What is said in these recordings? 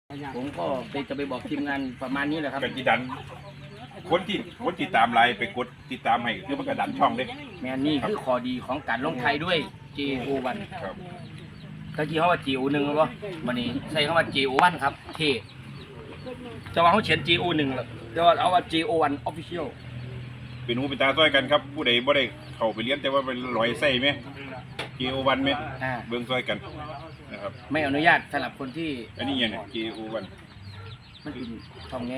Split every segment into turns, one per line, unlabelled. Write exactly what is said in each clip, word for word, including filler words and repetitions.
ผมก็จะไปบอกทีมงานประมาณนี้แหละครับ
กันจีดันคนที่คนติดตามไลน์ไปกดติดตามให้คือมันกระดันช่องเด้
แมนนี่คือข้อดีของการลงไทยด้วย เจ โอ วัน
ครับ
ตะกี้เขาว่า เจ โอ หนึ่งแล้วป่ะวันนี้ใช้คำว่า เจ โอ วัน ครับเท่จะว่าเขาเขียน เจ โอ หนึ่งแล้วจะว่าเอาว่า เจ โอ วัน Official
เป็นหูเป็นตาต้อยกันครับผู้ใดบ่ได้เข้าไปเรียนแต่ว่าเป็นร้อยไส้ไหมเจโอวันไหมเบิ่งซอยกันนะครับ
ไม่อนุญาตสำหรับคนที่
อันนี้ยังไงเจโอวัน
มันเป็นช่องไง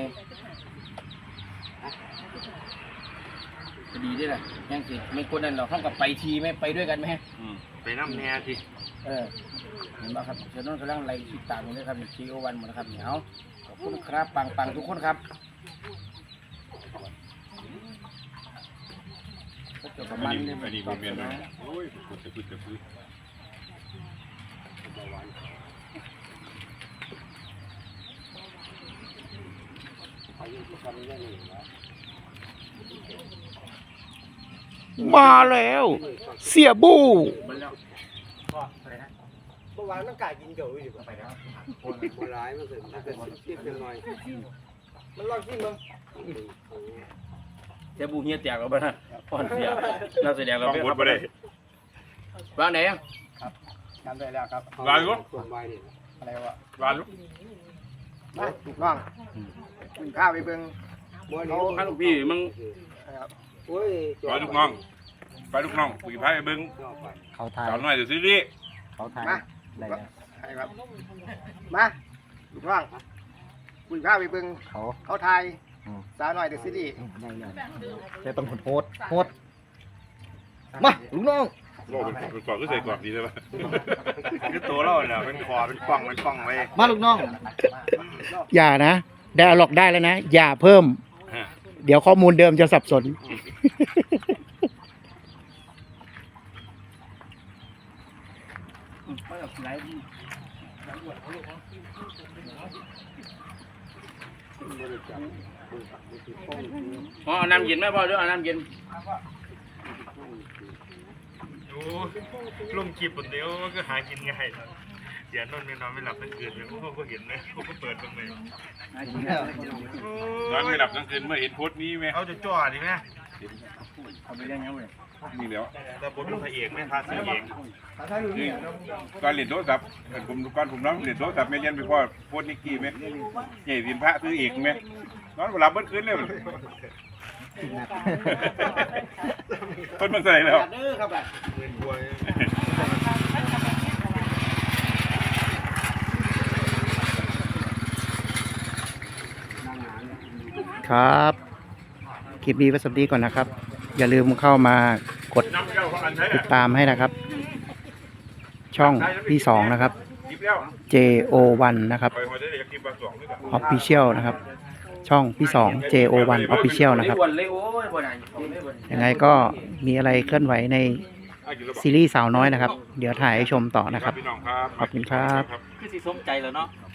จะดีด้วยแหละยังสิไม่คนนั้นเราเข้ากับไปทีไม่ไปด้วยกันไหม
ไปน้ำแน่ที
เออเห็นป่ะครับเจ้าน้องกำลังไล่ติดตามอยู่เลยครับเจโอวันหมดนะครับเหนียวขอบคุณครับปังปังทุกคนครับ
อันนี้อันนี้ผมเรียนมาโอ้ยพูดจะพูดจะพูด
มาแล้วเสียบู้
เมื่อวานต้องกายกินเก๋ออยู่ไปแล้วคนร้ายมันเกิดมันเกิดที่เป็นหน่อยมันลองที่มึง
เจ้าบูเฮียแตกแล้วบ้านะพ่อนเสียน่าแสดงเรา
ไม่ครับ
วางไหนอ่ะ
ครับทำได้แล้วครับ
วางลูก
อะไรวะ
วางลูก
มาถูกต้องกินข้าวไปเบิ่ง
เขาข้าลูกพี่มึง
ไปลูกน้องไปลูกน้องคุยพายไปเบิ้ง
เขาถ่าย
สาวน้อยเดี๋ยวซื้อดิ
เขาถ่าย
มาใช่ครับมาถูกต้องคุยข้าวไปเบิ่ง
เขา
เขาไทยสาวน้อยเดี๋ยวซื้อดิ
จะต้องโหดโหดมาลูกน้อง
โลเป็นเป็นกรอบก็ใส่กรอบดีใช่ไหมคือตัวเราเนี่ยเป็นคอเป็นป่องเป็นป่องไว้
มาลูกน้องอย่านะได้เอาหลอกได้แล้วนะอย่าเพิ่มเดี๋ยวข้อมูลเดิมจะสับสน
อ๋อน้ำเย็นไหมพ่อด้วยน้ำเย็น
โอ้ลงคลิปคนเดียวก็หากินง่ายเดี๋ยวนอนไม่นอนไม่หลับทั้งคืนเลยพวกก็เห็นไหมพวกก็เปิดตรงไหน
นอนไม่หลับทั้งคืนเมื่อเห็นโพสต์นี้ไหม
เขาจะจ่อดิไหม
เขาไปยังไงเว้ย
นี่แล้ว
แต่ผมเป็นพระเอกไม่พาซื้อเอง
นี่ก่อนเรียนโทรศัพท์ผมก่อนผมน้องเรียนโทรศัพท์ไม่เรียนไปพ่อโพสต์นิกกี้ไหมใหญ่เรียนพระซื้อเอกไหมนอนหลับเมื่อคืนเลยคนมันใส่แล้ว
ครับคลิปนี้ไว้สวัสดีก่อนนะครับอย่าลืมเข้ามากดติดตามให้นะครับช่องพี่สองนะครับ เจ โอ วัน นะครับ Official นะครับช่องพี่สอง เจ โอ วัน Official นะครับยังไงก็มีอะไรเคลื่อนไหวในซีรีส์สาวน้อยนะครับเดี๋ยวถ่ายให้ชมต่อนะครับขอบคุณครับ
คือสิสมใจแล้วเนาะ